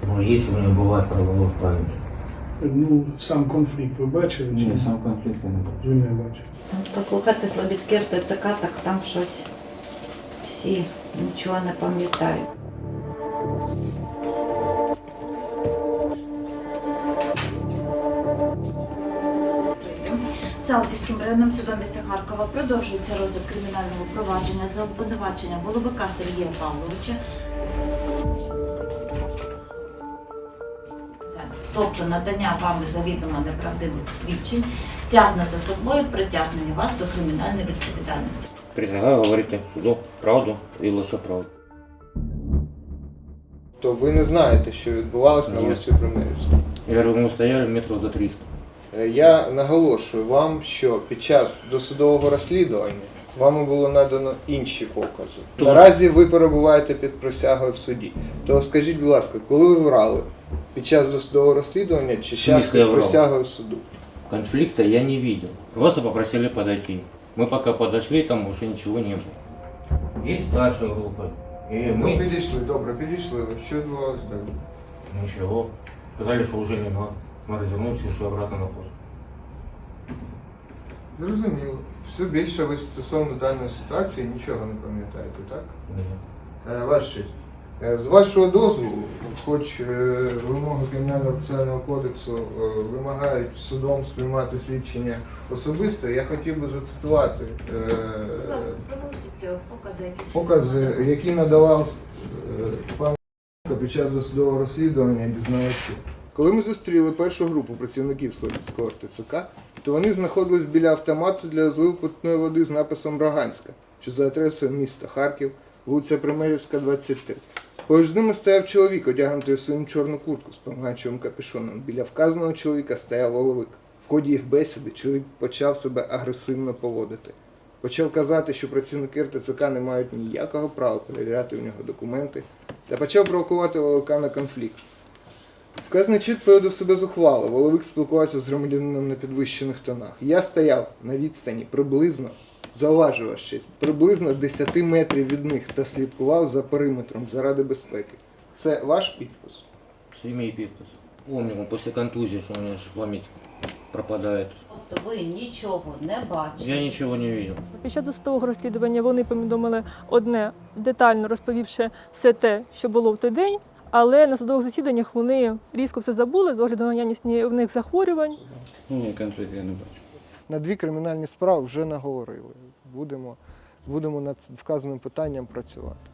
Ну, если у него бывает правовой память. Ну, сам конфлікт ви бачили? Чи Ні, сам конфлікт я не бачу. ви не бачили? Послухати Слобідське РТЦК, так там щось всі нічого не пам'ятають. Салтівським районним судом міста Харкова продовжується розгляд кримінального провадження за обвинувачення Воловика Сергія Павловича. Тобто надання вами завідомо неправдивих свідчень тягне за собою притягнення вас до кримінальної відповідальності. Предлагаю говорити суду правду і лише правду. То ви не знаєте, що відбувалося на Ні. вулиці Примирівській. Я говорю, ми стояли метрів за 300. Я наголошую вам, що під час досудового розслідування вам було надано інші покази. То- Наразі ви перебуваєте під присягою в суді. То скажіть, будь ласка, коли ви врали? Під час досудового розслідування чи час смислі я під врав? присягою в суду? Конфликта я не видел. Просто попросили подойти. Мы пока подошли, там уже ничего не было. Есть старшая группа. И Ну, мы... підійшли, добре, підійшли. Що відбувалося далі? Ничего. Сказали, что уже не надо. Мы развернулись и ушли обратно на пост. Зрозуміло. Все більше ви стосовно даної ситуації нічого не пам'ятаєте, так? Нет. Ваша честь. З вашого дозволу, хоч вимоги Кримінального процесуального кодексу вимагають судом сприймати свідчення особисто, я хотів би зацитувати Будь ласка, приносіть покази, які надавав пан під час досудового розслідування дізнавачу. Коли ми зустріли першу групу працівників Слобідського РТЦК, то вони знаходились біля автомату для зливу питної води з написом «Роганська», що за адресою міста Харків, вулиця Примирівська, 23. Поруч з ними стояв чоловік, одягнутий у синю чорну куртку з помаранчевим капюшоном. Біля вказаного чоловіка стояв Воловик. В ході їх бесіди чоловік почав себе агресивно поводити. Почав казати, що працівники РТЦК не мають ніякого права перевіряти в нього документи, та почав провокувати Воловика на конфлікт. Вказаний чит поводив себе зухвало. Воловик спілкувався з громадянином на підвищених тонах. Я стояв на відстані приблизно, зауважу вас честь, приблизно 10 метрів від них та слідкував за периметром заради безпеки. Це ваш підпис? Имя и подпись. Помню, после контузии, что у меня ж память пропадает. Тобто ви нічого не бачите. Я ничего не видел. Під час досудового розслідування вони повідомили одне, детально розповівши все те, що було в той день, але на судових засіданнях вони різко все забули з огляду на наявність в них захворювань. Ні, конфлікту я не бачу. На 2 кримінальні справи вже наговорили. Будемо над вказаним питанням працювати.